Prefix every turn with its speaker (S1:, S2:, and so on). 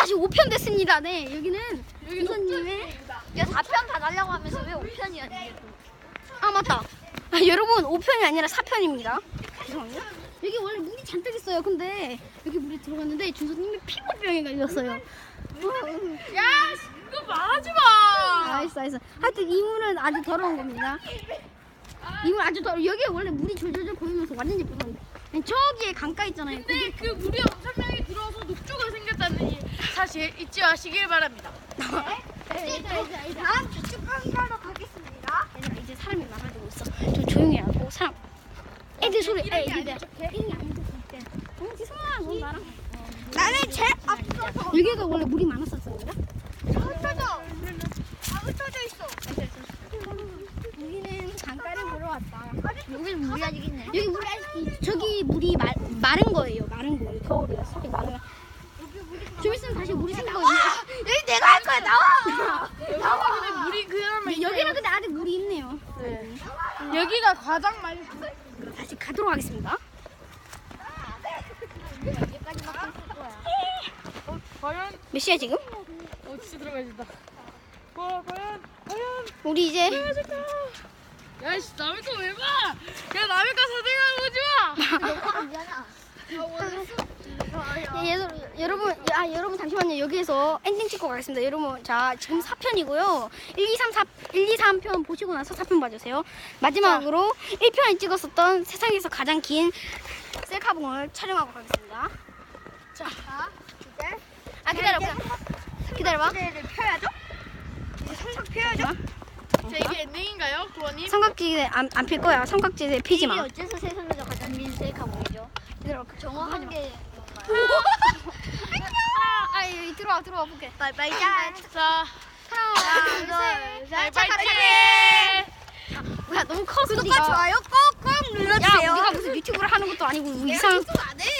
S1: 다시 5편 됐습니다. 네, 여기는 준서님의.
S2: 야 4편 다 달라고 하면서 왜 5편이야 이게 또.
S1: 아, 맞다. 아, 여러분, 5편이 아니라 4편입니다. 죄송합니다. 여기 원래 물이 잔뜩 있어요. 근데 여기 물에 들어갔는데 준서님이 피부병에 걸렸어요.
S3: 야, 이거 말하지 마.
S1: 알았어. 하여튼 이 물은 아주 더러운 겁니다. 이 물 아주 더러워. 여기 원래 물이 졸졸졸 고이면서 완전 예쁘던데. 저기에 강가 있잖아요.
S3: 근데 그 물이 엄청나게 들어와서 녹조가 생겼다는 이 사실 잊지 마시길 바랍니다.
S2: 다음 주축 강의하러 가겠습니다.
S1: 얘들아, 이제 사람이 많아지고 있어. 좀 조용히 하고 사람. 애들 소리. 애들. 이름이 안 좋게. 지성아, 너 나랑.
S2: 나는 제일 앞서서
S1: 여기가 원래 물이 많았었어요.
S2: 흩어져 있어.
S1: 여기는 강가를 보러 왔다.
S2: 여기는 물이 아직 있네.
S1: 여기 물이 저기 물이 마른 거예요. 마른 거예요. 겨울이라서 마른. 좀 있으면 다시 물이 생길 거예요.
S2: 여기 내가 할 거야. 나와.
S3: 근데 물이 그나마
S1: 여기는 근데 아직 물이 있네요.
S3: 여기가 가장 많이
S1: 다시 가도록 하겠습니다.
S2: 여기까지 막힐 거야.
S3: 과연
S1: 몇 시야 지금?
S3: 진짜 들어가야 된다. 과연
S1: 우리 이제
S3: 야씨 남의 거 왜 봐? 야 남의 거 사생활 보지 마.
S1: 여러분 잠시만요. 여기에서 엔딩 찍고 가겠습니다. 여러분, 자, 지금 4편이고요. 1, 2, 3편 보시고 나서 4편 봐주세요. 마지막으로 1편에 찍었었던 세상에서 가장 긴 셀카봉을 촬영하고 가겠습니다.
S2: 자, 이제
S1: 기다려봐.
S2: 기대를 펴야죠. 이제 성적 펴야죠.
S3: 자 이게 엔딩인가요, 구원님?
S1: 삼각지대 안 필 거야. 삼각지대 피지 마.
S2: 어째서 세상에서 가장 긴 셀카 보이죠?
S1: 기다려.
S2: 정확한 게
S1: 여기 들어와 볼게.
S2: 빠이빠이 짠.
S3: 자,
S1: 하나, 둘, 셋.
S3: 파이팅!
S1: 야, 너무 커.
S2: 구독과 좋아요 꼭꼭
S1: 야,
S2: 눌러주세요.
S1: 우리가 무슨 유튜브를 하는 것도 아니고 이상.
S2: 안 해?